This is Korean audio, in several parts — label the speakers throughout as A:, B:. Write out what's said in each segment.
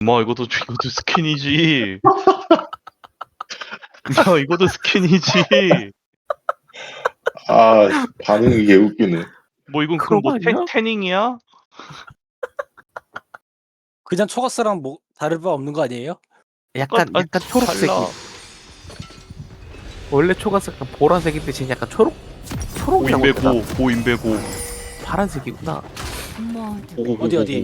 A: 이것도 스킨이지. 이것도 스킨이지.
B: 아, 반응이 개 웃기네.
A: 이건
C: 크롬
A: 그럼
C: 아니야?
A: 태닝이야?
D: 그냥 초가스랑 뭐 다를 바 없는 거 아니에요?
C: 약간
A: 아니,
C: 초록색이.
A: 달라.
C: 원래 초가스 약간 보라색인데 쟤는 약간 초록이라고 해야 되나?
A: 고인배고.
C: 파란색이구나.
D: 어디?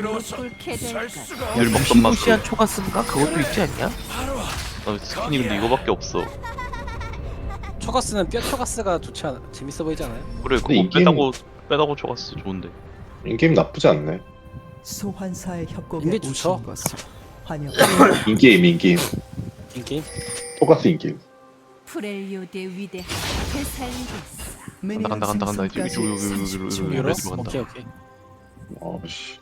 A: 늘 먹던 맛.
C: 시시한 초가스인가? 그것도 있지 않냐?
A: 스킨이 근데 이거밖에 없어.
D: 초가스는 뼈 초가스가 좋지 않아? 재밌어 보이지 않아요?
A: 그래
B: 근데
A: 그거 빼다고 쳐갔어. 좋은데.
B: 인게임 나쁘지 않네.
E: 소환사의 협곡에
D: 인게 좋죠.
E: 오신 것을 환영합니다.
B: 인게임.
D: 인게임?
B: 똑같은 인게임.
F: 프렐리오드의 위대함 되살리겠어.
A: 간다. 이쪽으로
D: 열었어?
A: 간다.
D: 오케이.
B: 씨.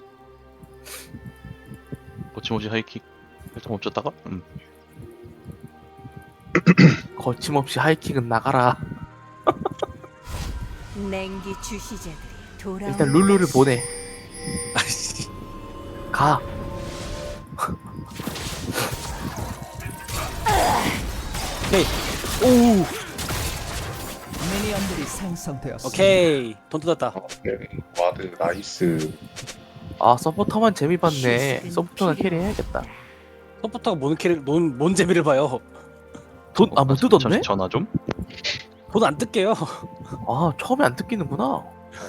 A: 거침없이 하이킥. 살짝 멈췄다가.
C: 거침없이 하이킥은 나가라.
F: 냉기 주시자들이 돌아.
C: 일단 룰루를 보내. 가.
D: 오케이.
E: 미니언들이 생성되었습니다.
D: 오케이. 돈 뜯었다.
B: 네. 와드 나이스.
C: 아 서포터만 재미 봤네. 서포터나 캐리 해야겠다.
D: 서포터가 뭔 재미를 봐요.
C: 돈 못 뜯었네?
A: 잠시 전화 좀.
D: 돈 안 뜯게요.
C: 아 처음에 안 뜯기는구나.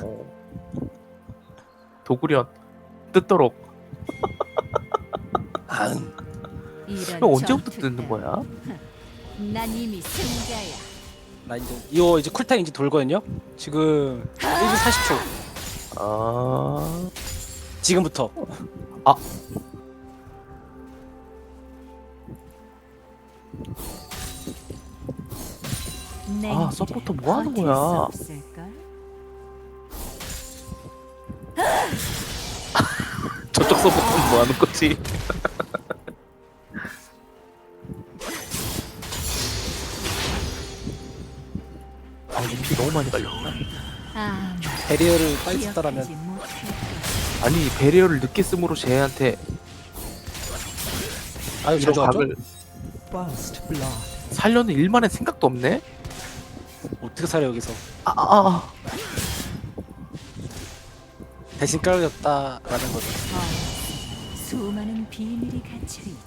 C: 도구련 뜯도록.
F: 이런
C: 형 언제부터
F: 전투
C: 뜯는 거야?
F: 난 이미 승자야.
D: 나 이거 이제 쿨타임 이제 돌거든요. 지금 1분 40초.
C: 아
D: 지금부터.
C: 서포터 뭐 하는 거야? 저쪽 서포터는 뭐 하는 거지? 피 너무 많이 갈렸구나.
D: 배리어를 빨리 썼다라면.
C: 아니 배리어를 늦게 씀으로 쟤한테
D: 아유 잘
C: 이런
D: 좋았죠?
C: 각을
E: First blood.
C: 살려는 일만의 생각도 없네?
D: 어떻게 살아 여기서? 대신 깔려졌다라는 거죠.
F: 수많은 비밀이 갇혀 있지.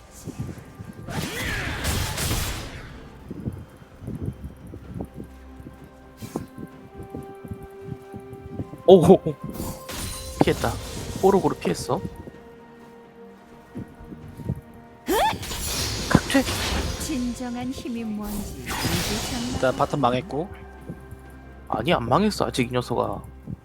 C: 오 피했다. 뽀록으로 피했어. 각퇴.
F: 진정한 힘이 뭔지 이제 정말
D: 일단 바텀 망했고.
C: 아니 안 망했어 아직 이 녀석아.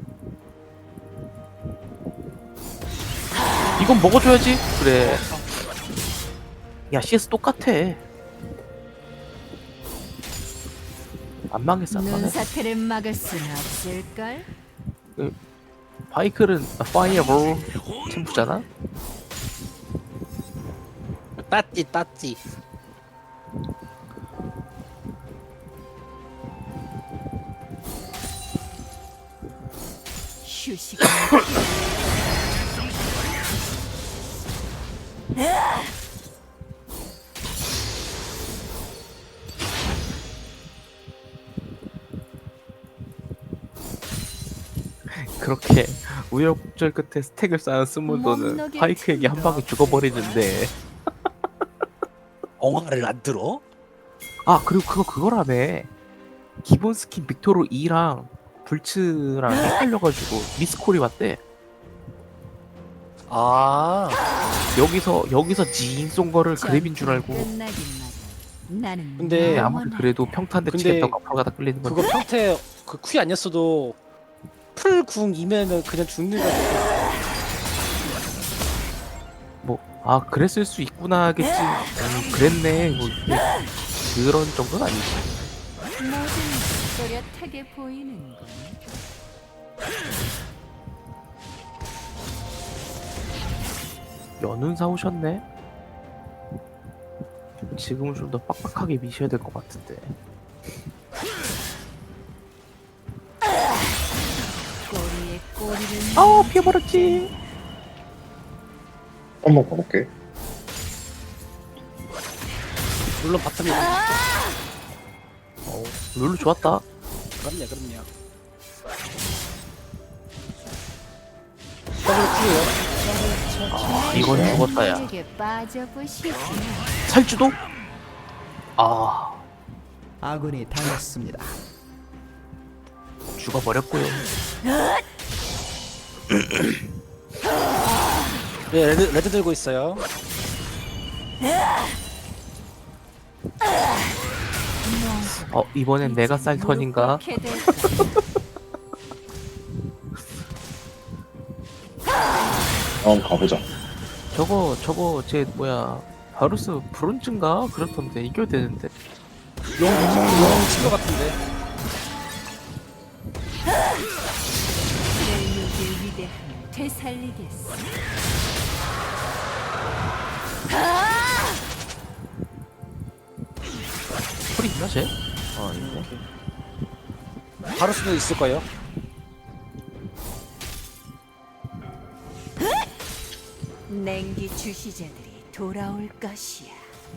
C: 이건 먹어줘야지. 그래. 야 CS 똑같아. 안 망했어 안 망했어.
F: 눈사태를 막을 수는 없을걸?
C: 바이클은 파이어볼 챔프잖아.
D: 따찌.
F: 휴식.
C: 그렇게 우여곡절 끝에 스택을 쌓은 스몰도는
F: 먹먹이
C: 파이크에게 한 방에 죽어버리는데.
D: 엉화를 안 들어?
C: 아 그리고 그거라며. 기본 스킨 빅토르 2랑 불츠랑 헷갈려가지고 미스콜이 왔대.
D: 아.
C: 여기서 지잉 쏜 거를 그랩인 줄 알고.
F: 끝나긴 말이야. 나는
D: 근데
C: 아무리 그래도 평탄대
D: 근데
C: 치겠다고 앞으로 가다 끌리는 건데.
D: 그거 평태 그 쿨이 아니었어도 풀 궁이면은 그냥 죽는 거.
C: 아 그랬을 수 있구나 하겠지. 그랬네. 뭐 그런 정도는 아니지.
F: 뭐든 또렷하게 보이는 건
C: 연운 사오셨네. 지금은 좀 더 빡빡하게 미셔야 될 것 같은데.
F: 꼬리에 꼬리를
C: 피해버렸지.
B: 한번 가볼게.
D: 물론 바텀이
C: 룰루 좋았다.
D: 그럼요. 더블 쿨이에요.
C: 아, 이건 죽었다, 야.
F: 에게 빠져보시지.
C: 살주도? 아,
E: 아군이 당했습니다.
C: 죽어버렸고요.
D: 네, 레드 들고 있어요.
C: 이번엔 내가 쌀 턴인가?
F: 그렇게 될까?
B: 가보자.
C: 저거 제 뭐야 바루스 브론즈인가? 그렇던데 이겨야 되는데.
D: 용 친구 같은데.
F: 렐육의 위대함을 되살리겠어.
C: 소리 있나 쟤? 있네.
D: 바로 수도 있을 거예요.
F: 냉기 주시자들이 돌아올 것이야.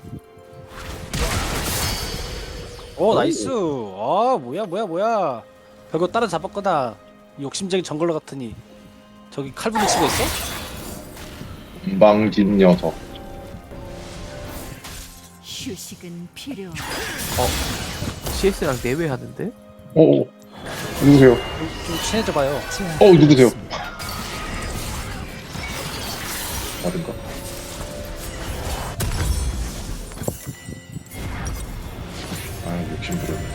D: 오 나이스. 아 뭐야. 별거 따라 잡았거나 욕심쟁이 정글러 같으니 저기 칼부리 치고 있어?
B: 건방진 녀석.
F: 휴식은 필요.
C: CS랑 내외하는데?
B: 누구세요?
D: 좀 친해져봐요.
B: 누구세요? 다른가? 욕심 부려.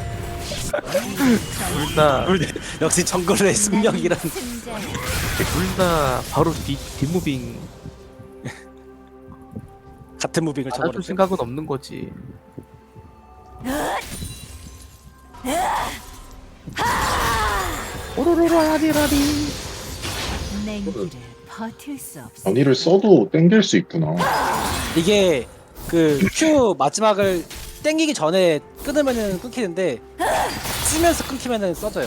C: 둘다
D: 역시 정글러의 숙명이란.
F: 승자야.
C: 둘다 바로 뒷무빙
D: 같은 무빙을
C: 받아줄
D: 쳐버렸어.
C: 생각은 없는 거지. 오로로라리라리.
F: 냉기를 버틸 수 없어.
B: 전의를 써도 땡길 수 있구나.
D: 이게 그 Q 마지막을 땡기기 전에 끊으면은 끊기는데 쓰면서 끊기면은 써져요.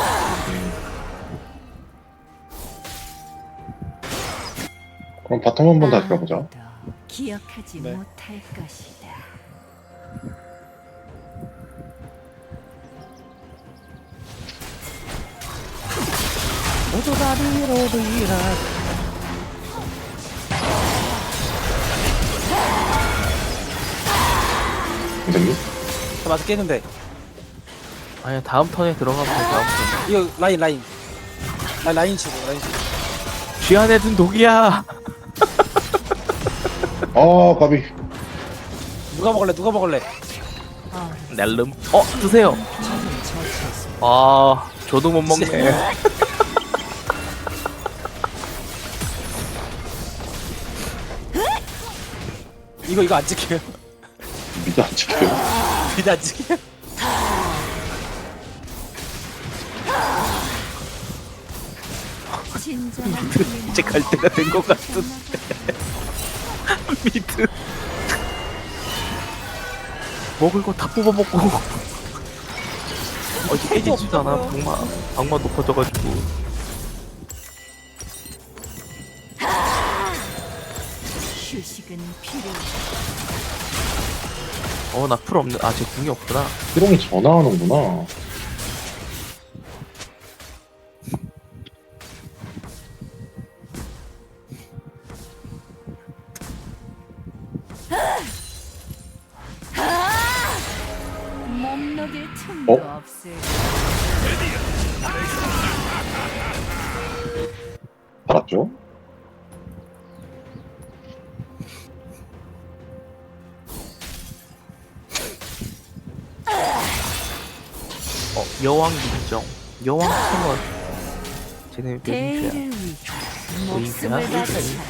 B: 그럼 바텀 한 번 다시 가보자.
F: 아무도 기억하지
D: 네.
F: 못할 것이다.
C: 오로라리로리라.
B: 선생님?
D: 다 맞겠는데
C: 아니야 다음 턴에 들어가면 돼. 다음 턴.
D: 이거 라인 치고.
C: 쥐안에 든 독이야.
B: 가비.
D: 누가 먹을래?
C: 낼름. 드세요. 저도 못 먹네.
D: 이거 안 찍혀요.
B: 미드 안 지켜요?
D: 미드 안 찍혀요.
F: 진정한
C: 이제 갈 때가 된 것 같은 미드. 먹을 거 다 뽑아 먹고. 이제 깨지지도 않아. 방마 높아져가지고.
F: 휴식은 필요.
C: 나 풀 없는. 제 궁이 없구나.
B: 희롱이 전화하는구나.
F: 몸 녹일 틈도 없을.
B: 알았죠?
C: 여왕 민정. 여왕 팀원. 쟤네 몇 인치야?
F: 대의를 위해 목숨을
C: 보이세요?
F: 바쳐라.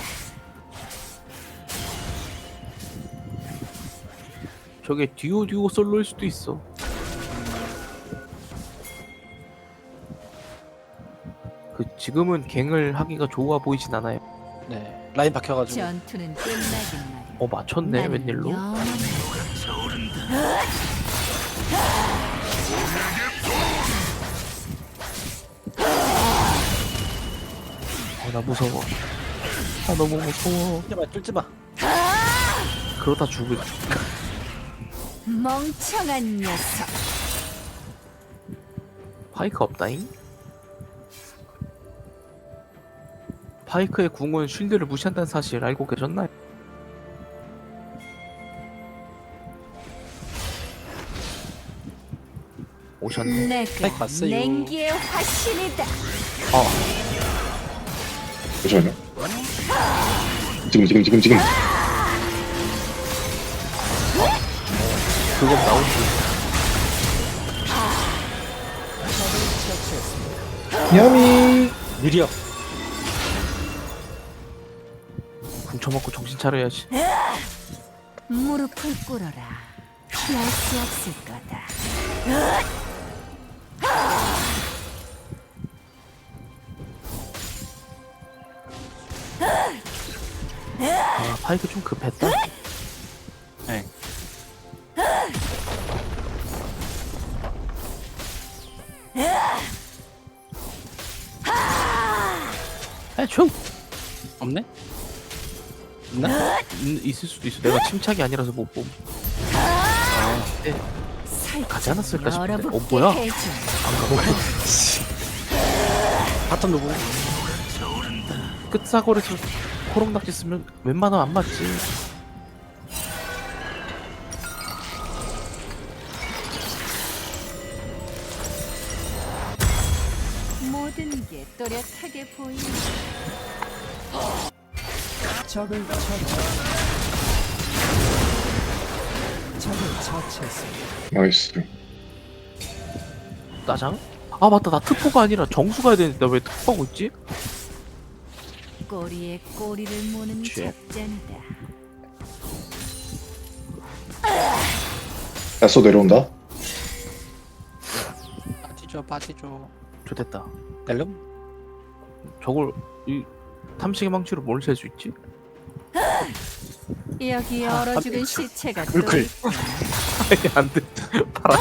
C: 저게 듀오 솔로일 수도 있어. 지금은 갱을 하기가 좋아 보이진 않아요.
D: 네 라인 박혀가지고.
F: 전투는 끝나긴 말이야.
C: 맞췄네
F: 나는
C: 웬일로.
F: 영원히
C: 나 무서워. 너무 무서워.
D: 뚫지 마.
C: 그러다 죽을.
F: 멍청한 녀석.
C: 파이크 없다잉? 파이크의 궁은 쉴드를 무시한다는 사실 알고 계셨나요? 오셨네.
F: 내가
D: 봤어요.
F: 냉기의 화신이다.
B: 잠시만요. 지금.
C: 그건 나올 수 있어.
B: 야미.
D: 느려.
C: 궁쳐먹고 정신 차려야지.
F: 무릎을 꿇어라. 피할 수 없을 거다.
C: 아, 파이크 좀 급했다.
D: 네.
C: 해충!
D: 없네? 있나?
C: 있을 수도 있어. 내가 침착이 아니라서 못 봄. 가지 않았을까 싶은데.
F: 열어붙게
C: 뭐야?
F: 해줘.
C: 안 가고.
D: 바텀 누구?
C: 끝사거리에서 호롱낙지 쓰면 웬만하면 안 맞지.
F: 모든 게 또렷하게 보인다.
E: 적을 처치했습니다. 적을 처치했습니다.
B: 나이스.
C: 나장? 아 맞다, 나 특포가 아니라 정수 가야 되는데 나 왜 특포하고 있지?
F: 꼬리에 꼬리를 무는
C: 쉣.
F: 작전이다.
B: 야쏘 내려온다.
D: 빠지죠.
C: 좋됐다.
D: 낼름?
C: 저걸 이 탐식의 망치로 뭘 셀 수 있지?
F: 여기 얼어 죽은 시체가 또
D: 물클.
F: 있다.
C: 안 돼. 팔아.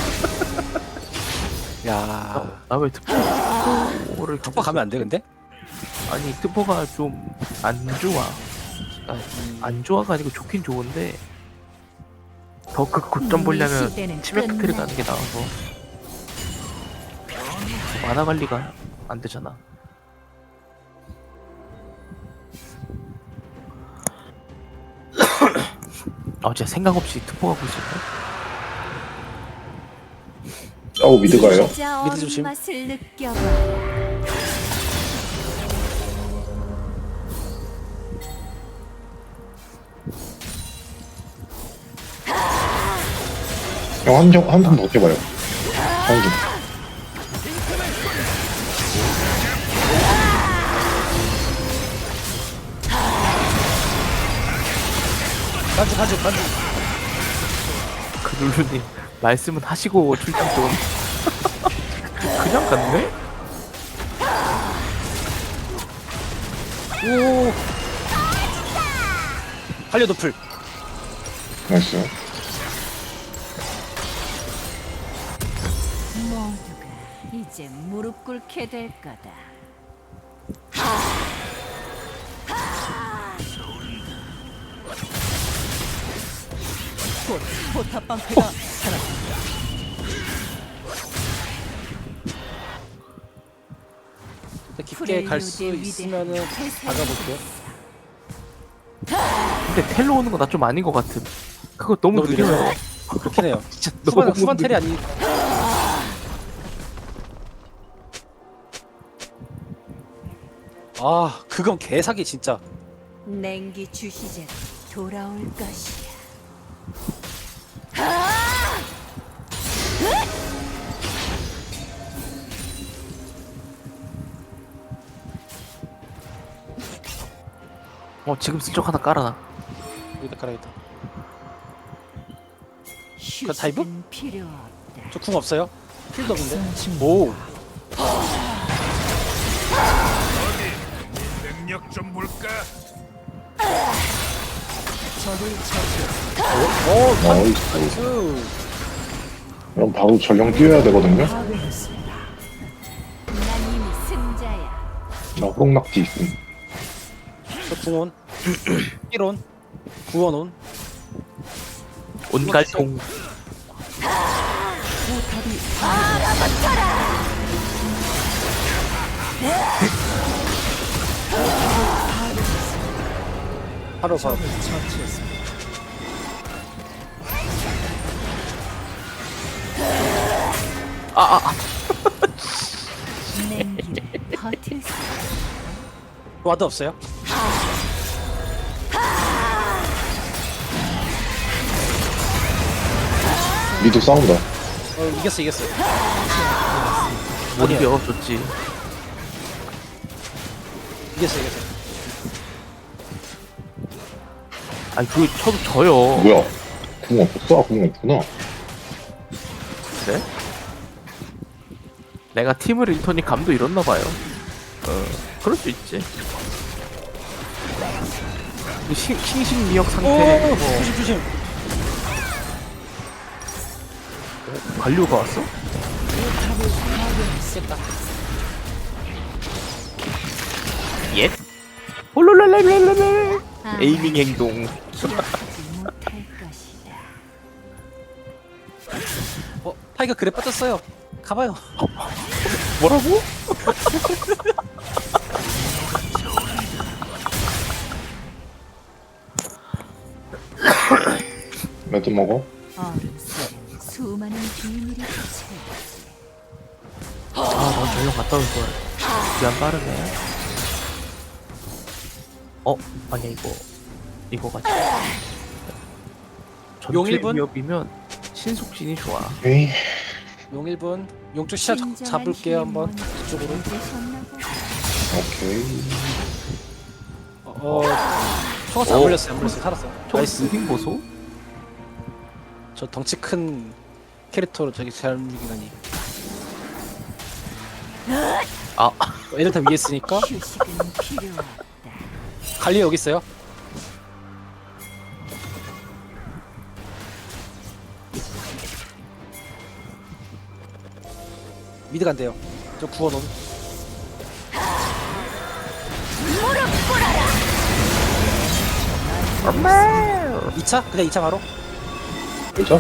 D: 야.
C: 나 왜 특포를
D: 톡박 가면 안 돼 근데?
C: 아니 특포가 좀 안 좋아. 안 좋아가 아니고 좋긴 좋은데 더 그 고점 보려면
F: 시대는
C: 치맥트를
F: 끝났다.
C: 가는 게 나아서 만화 관리가 안 되잖아. 아 진짜 생각 없이 특포 가고 있었네.
B: 아우 미드 가요.
F: 진짜
D: 미드 조심.
F: 맛을 느껴봐.
B: 형 한점 더 해봐요. 한 점.
D: 간주.
C: 그 룰루님 말씀은 하시고 출장 좀 그냥 갔네?
D: 오. 할려 노플.
B: 나이스.
F: 모두가 이제 무릎 꿇게 될 거다.
E: 곧 포탑 방패가 사라집니다.
D: 깊게 갈 수 있으면은 박아볼게요.
C: 근데 텔로 오는 거 나 좀 아닌 것 같음. 그거 너무
D: 너무
C: 느려요.
D: 느려요? 그렇긴 해요.
C: 진짜
D: 후반 텔이 아니. 아 그건 개사기 진짜.
F: 냉기 주시제로 돌아올 것이야.
C: 지금 슬쩍 하나 깔아놔.
D: 여기다 깔아야겠다.
F: 휴식은
D: 다이브?
F: 필요 없다.
D: 저 궁 없어요? 필도 없는데.
E: 선심니다.
D: 오.
G: 능력 좀 볼까?
E: 적을 처치했습니다.
D: 오.
B: 나이스.
D: 나이스.
B: 그럼 바로 전령 뛰어야 되거든요.
E: 파괴했습니다.
F: 난 이미 승자야.
B: 나 호롱낙지 있음.
D: 저 궁온. 1온. 9원 온.
C: 온갈통.
E: 포탑이
D: 바로
E: 적을 처치했습니다.
F: 냉기를 버틸 수
D: 와드 없어요?
B: 미드 싸운다.
D: 이겼어 이겼어.
C: 못
D: 아니야.
C: 이겨, 좋지.
D: 이겼어 이겼어.
C: 아니, 그거 쳐도 져요.
B: 뭐야? 궁 없어? 궁 없구나.
C: 그래? 내가 팀을 잃더니 감도 잃었나봐요. 그럴 수 있지. 이 싱싱미역 상태.
D: 오 조심 조심.
C: 관료가 왔어?
D: 깼다.
C: 예? 홀롤랄랄랄랄.
F: 아,
C: 에이밍 행동.
F: 기억하지 못할 것이다.
D: 타이거 그래 빠졌어요. 가봐요.
C: 뭐라고?
B: 레드 먹어?
F: 얼음 속엔 수많은 비밀이 갇혀있지.
C: 아, 난 전령 갔다 올 걸. 미안 빠르네. 아니야 이거 같이.
D: 용
C: 전체
D: 1분?
C: 위협이면 신속진이 좋아.
B: 에이.
D: 용 1분. 용쪽 시야
F: 진정한
D: 잡을게요
F: 힘은
D: 한번. 그쪽으로.
F: 늦으셨나 보다.
B: 오케이.
D: 초가스 안 물렸어요 안 물렸어요. 살았어. 나이스.
C: 힘 보소?
D: 저 덩치 큰 캐릭터로 저기 잘 움직이다니. 애들 다 위에 있으니까.
F: 휴식은 필요하다.
D: 갈리 여기 있어요. 미드 간대요. 저 구워놓은.
C: 엄마.
D: 2차? 그냥 2차 바로?
B: 괜찮?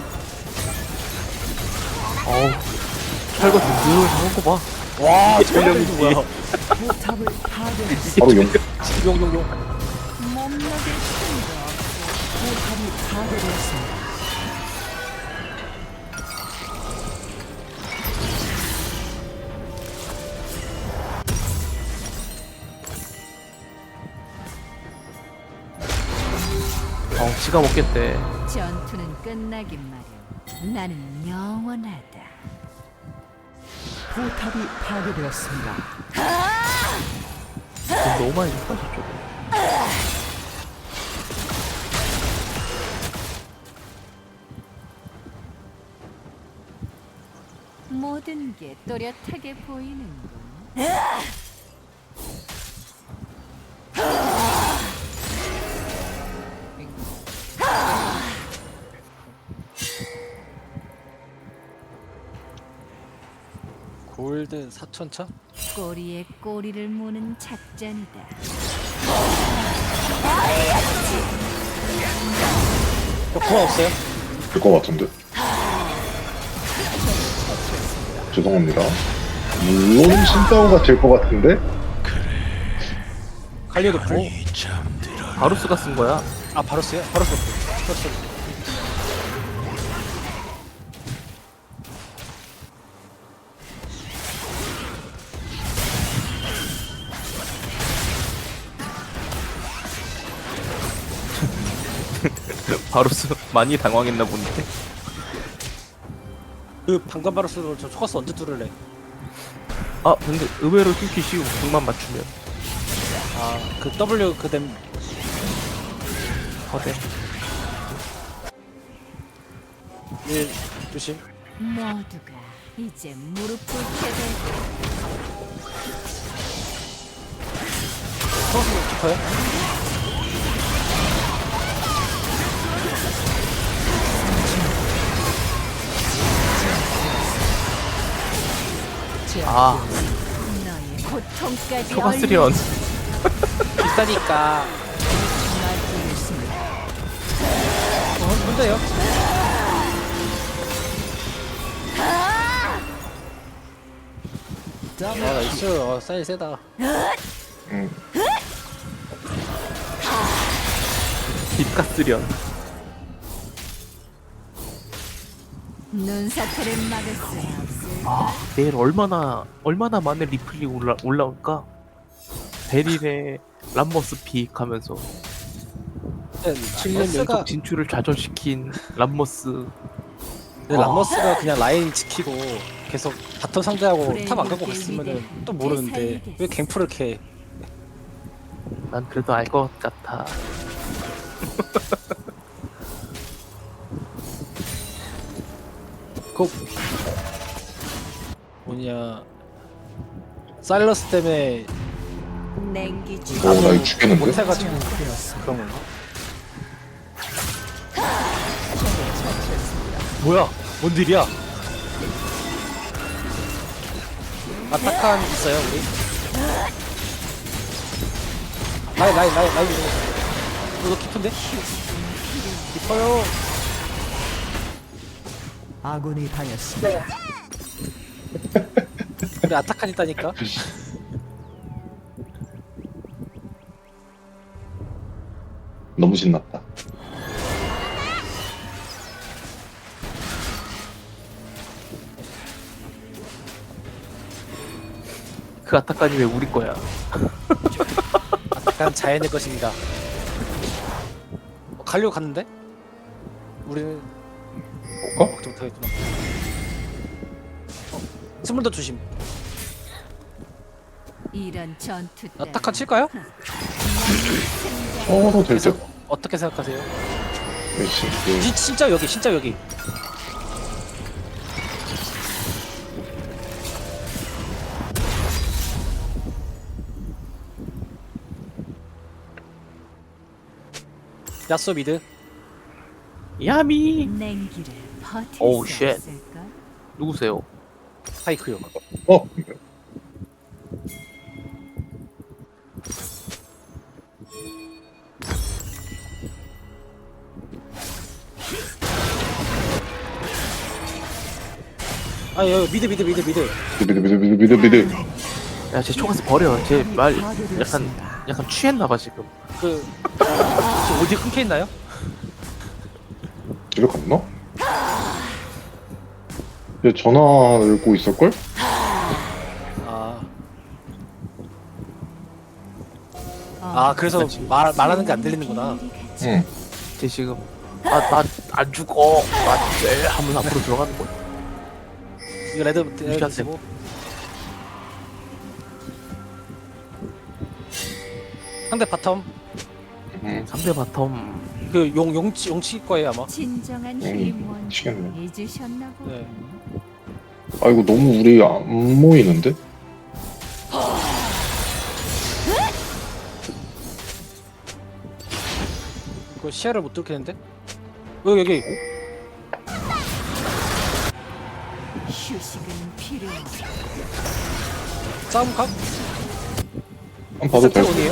C: 어우, 철거 늘 하는 거 봐.
D: 와 전령이 뭐야.
E: 포탑을 파괴했습니다.
B: 바로 용.
D: 용용용.
F: 몸무게 힘도
E: 포탑이 파괴되었습니다.
C: 지가 먹겠대.
F: 전투는 끝나긴 마련. 나는 영원하다.
E: 포탑이 파괴되었습니다.
C: 돈 너무 많이 줬다 저쪽에.
F: 모든 게 또렷하게 보이는군.
D: 골드 4천차?
F: 꼬리에 꼬리를 무는 작전이다.
D: 저 구원 없어요?
B: 될 것 같은데. 죄송합니다. 물론 신다우가 될 것 같은데?
D: 갈리오도 구.
C: 바루스가 쓴 거야.
D: 아 바로 써요? 바로 써. 바로 써.
C: 바루스 많이 당황했나 본데.
D: 그 방금 바로 쓰고 저 초가스 언제 뚫을래?
C: 근데 의외로 뚫기 쉬운 궁만 맞추면
D: 아그 W 그댐
C: 거대.
D: 1 조심.
F: 모두가 이제 무릎 꿇게 될
D: 초가스 깊어요?
F: 너의 고통까지
C: 초가스련.
D: 비싸니까.
F: 말씀이십니다.
D: 힘들어요. 아 나이스. 사일 세다.
B: 응.
C: 뒷가스련.
F: 눈사태를 막을 수 없을.
C: 아 내일 얼마나 많은 리플이 올라올까? 베릴의 람머스 픽 하면서 7년
D: 람머스가
C: 연속 진출을 좌절시킨 람머스.
D: 람머스가 그냥 라인 지키고 계속 바텀 상대하고 탑 안 가고 갔으면은 또 모르는데 왜 갱프를 캐?
C: 난 그래도 알 것 같아.
D: 그 뭐냐 사일러스 때문에
F: 냉기주.
B: 나 이거 죽겠는데?
D: 못해가지고
E: 되었습니다.
D: 그런 건가? 뭐야? 뭔 일이야? 아타칸 있어요 우리? 라인 이거 깊은데? 깊어요.
E: 아군이 당했습니다.
D: 우리 아타칸 있다니까.
B: 너무 신났다.
C: 그 아타까지 왜 우리 거야?
D: 아타칸 자연의 것입니다. 가려고 갔는데? 우리는
B: 볼까?
D: 먹지 못하겠구나. 스물더 조심.
F: 이런 전투 때
D: 아타칸 칠까요?
B: 쳐도 될 듯.
D: 어떻게 생각하세요?
B: 그렇지.
D: 진짜 여기 진짜 여기. 야쏘 미드.
C: 야미.
F: 냉기를 버틸
C: 오우,
F: 수
C: 쉣.
F: 없을까?
C: 누구세요?
D: 파이크요.
B: 어?
D: 아 여기 미드.
B: 미드.
C: 야, 쟤 초가스 버려. 쟤 말
E: 파괴되었습니다.
C: 약간 취했나봐 지금.
D: 그 혹시 어디 끊겨 있나요?
B: 집에 갔나? 얘 전화 읽고 있을걸?
D: 그래서 말하는 게 안 들리는구나.
B: 응.
C: 쟤 지금 나 안 죽어. 나쟤 하면 앞으로 들어가는 거야.
D: 이거 레드
C: 무시하세요.
D: 쓰고. 상대 바텀
B: 응.
C: 상대 바텀.
D: 그 용치 거예요 아마.
F: 진정한 힘이 뭔지
B: 미치겠네.
F: 잊으셨나 보네.
D: 네.
B: 아, 이거 너무 우리 안 모이는데?
D: 그 시야를 못 뚫겠는데? 여기
F: 휴식은 필요해.
D: 싸움 각?
B: 한 봐도 될 듯.
D: 어디에요?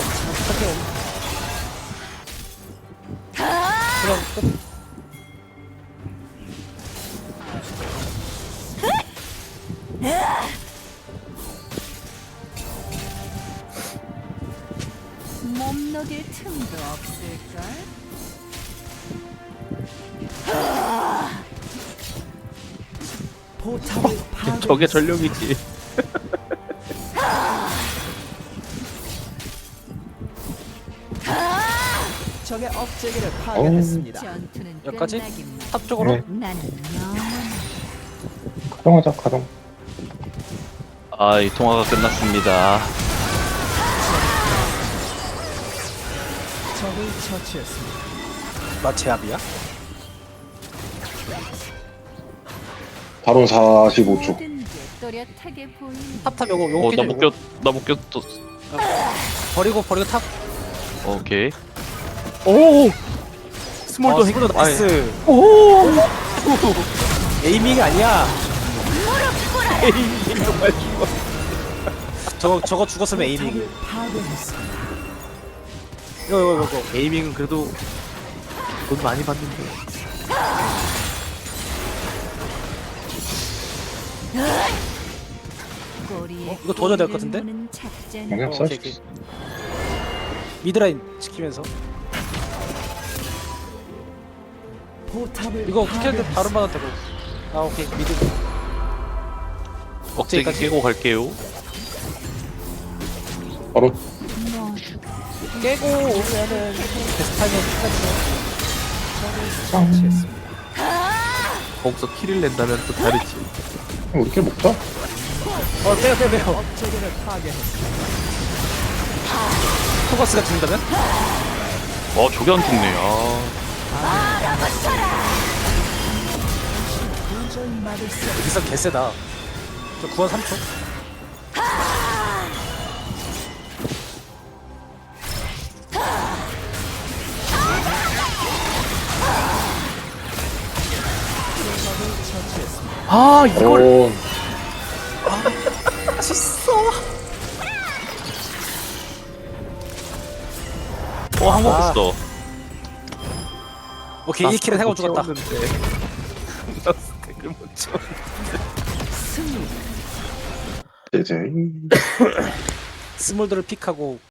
D: 그럼 끝.
F: 몸 녹일 틈도 없을걸?
E: 포탑을
C: 저게
E: 파괴.
C: 전력이지.
E: 적의 억제기를 파괴했습니다.
F: 전투는
D: 여기까지?
F: 끝나기만.
D: 탑 쪽으로?
B: 네.
F: 나는 영원히
B: 가정하자, 가정.
A: 아, 이 통화가 끝났습니다.
E: 적을 처치했습니다.
D: 나 제압이야?
B: 바로 45초.
F: 모든 게 또렷하게 보인다.
D: 탑 요거
A: 나 묶였, 나 묶였어.
D: 버리고 탑.
A: 오케이.
C: 오. 스몰더 핵.
D: 스몰더
C: 아니,
D: 나이스.
C: 오.
D: 에이밍이 아니야.
C: 에이, 정말 죽어.
D: 저거 죽었으면 에이밍.
E: 포탑을 파괴했습니다.
D: 이거.
C: 에이밍은 그래도 돈 많이 받는데.
F: 꼬리에
D: 이거 도와줘야 될것 같은데?
F: 꼬리를 무는 작전.
B: 그냥
D: 오케이,
B: 써야지.
D: 오케이. 미드라인 지키면서
E: 포탑을
D: 이거 킬때 바로 받아도 되고. 아 오케이 미드.
A: 억제기
D: 억제기까지?
A: 깨고 갈게요.
B: 바로
F: 뭐
D: 깨고 오면은 베스트 타이밍 끝까지.
C: 거기서 킬을 낸다면 또 다르지.
B: 우리끼리 먹자.
D: 빼요.
E: 업체계를 파괴했습니다.
D: 토거스가 죽는다면?
A: 저게 안 죽네.
E: 도저히 막을 수 없.
D: 여기서 개세다. 저 구원 3초.
C: 아 이걸
B: 오,
A: 한번
D: 아.
A: 했어.
D: 오케이 1킬에 세번 죽었다.
C: 스택을 못 채워.
B: 이제
D: 스몰더를 픽하고